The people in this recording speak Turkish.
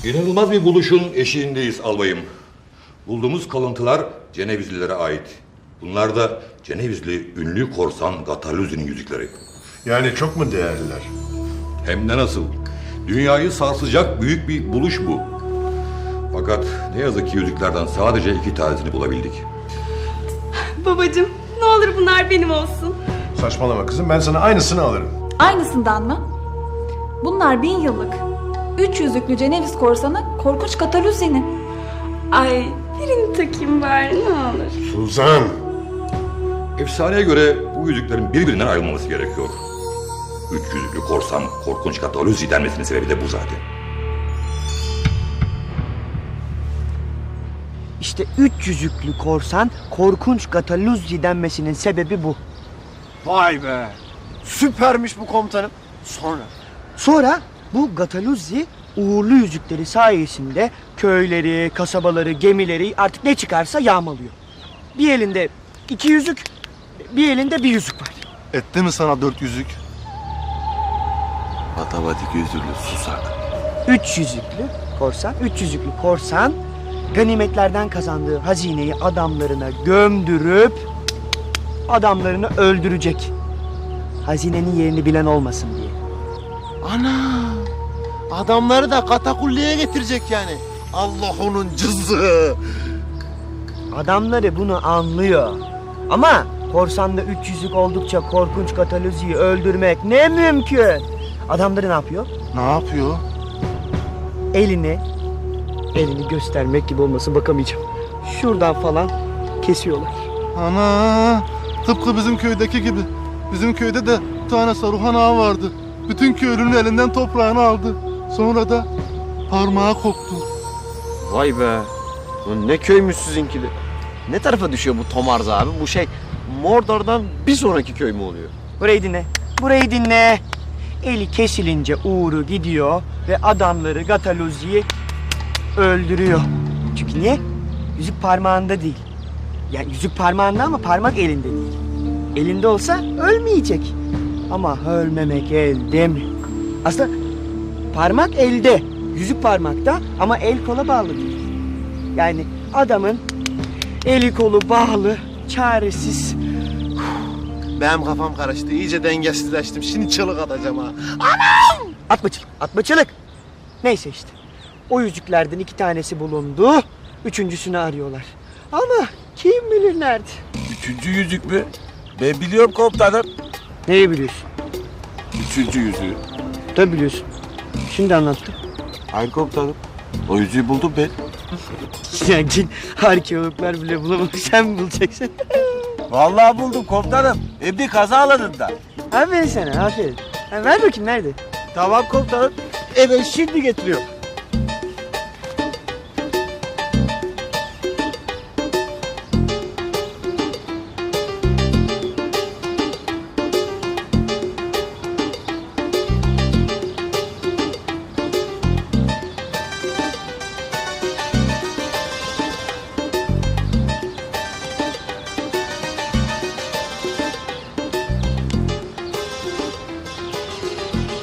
İnanılmaz bir buluşun eşiğindeyiz albayım. Bulduğumuz kalıntılar Cenevizlilere ait. Bunlar da Cenevizli ünlü korsan Gataluzzi'nin yüzükleri. Yani çok mu değerliler? Hem de nasıl? Dünyayı sarsacak büyük bir buluş bu. Fakat ne yazık ki yüzüklerden sadece 2 tanesini bulabildik. Babacığım, ne olur bunlar benim olsun. Saçmalama kızım, ben sana aynısını alırım. Aynısından mı? Bunlar 1000 yıllık. 3 yüzüklü Ceneviz korsanı korkunç Gataluzzi'nin. Ay, birini takayım bari ne olur. Suzan! Efsaneye göre bu yüzüklerin birbirinden ayrılmaması gerekiyor. 3 yüzüklü korsan korkunç Gataluzzi denmesinin sebebi de bu zaten. İşte 3 yüzüklü korsan korkunç Gataluzzi denmesinin sebebi bu. Vay be! Süpermiş bu komutanım. Sonra bu Gataluzzi uğurlu yüzükleri sayesinde köyleri, kasabaları, gemileri artık ne çıkarsa yağmalıyor. Bir elinde 2 yüzük, bir elinde 1 yüzük var. Etti mi sana 4 yüzük? Matematik yüzüklü susak. 3 yüzüklü korsan ganimetlerden kazandığı hazineyi adamlarına gömdürüp adamlarını öldürecek. Hazinenin yerini bilen olmasın diye. Ana! Adamları da katakulliye getirecek yani. Allah onun cızı! Adamları bunu anlıyor. Ama korsanda 3 yüzük oldukça korkunç Gataluzzi'yi öldürmek ne mümkün. Adamları ne yapıyor? Ne yapıyor? Elini göstermek gibi olması bakamayacağım. Şuradan falan kesiyorlar. Ana! Tıpkı bizim köydeki gibi. Bizim köyde de bir tane Saruhan ağa vardı. Bütün köylünün elinden toprağını aldı. Sonra da parmağı koptu. Vay be! Lan ne köymüş sizinki de. Ne tarafa düşüyor bu Tomarz abi? Bu şey Mordor'dan bir sonraki köy mü oluyor? Burayı dinle. Eli kesilince uğru gidiyor ve adamları Gataluzzi'yi öldürüyor. Çünkü niye? Yüzük parmağında değil. Yani yüzük parmağında ama parmak elinde değil. Elinde olsa ölmeyecek. Ama ölmemek elde mi? Aslında parmak elde, yüzük parmakta ama el kola bağlı değil. Yani adamın eli kolu bağlı, çaresiz. Benim kafam karıştı. İyice dengesizleştim. Şimdi çığlık atacağım ha. Atma çılık. Neyse işte. O yüzüklerden 2 tanesi bulundu. 3.'sünü arıyorlar. Ama kim bilir nerede? 3. yüzük mü? Ben biliyorum komutanım. Neyi biliyorsun? 3. yüzüğü. Tabii biliyorsun. Şimdi anlattım. Hayır komutanım. O yüzüğü buldum ben. Ya cin arkeologlar bile bulamamış. Sen mi bulacaksın? Vallahi buldum komutanım. Hem de kaza alanında. Aferin sana, aferin. Ha, ver bakayım nerede? Tamam komutanım. Evet şimdi getiriyorum.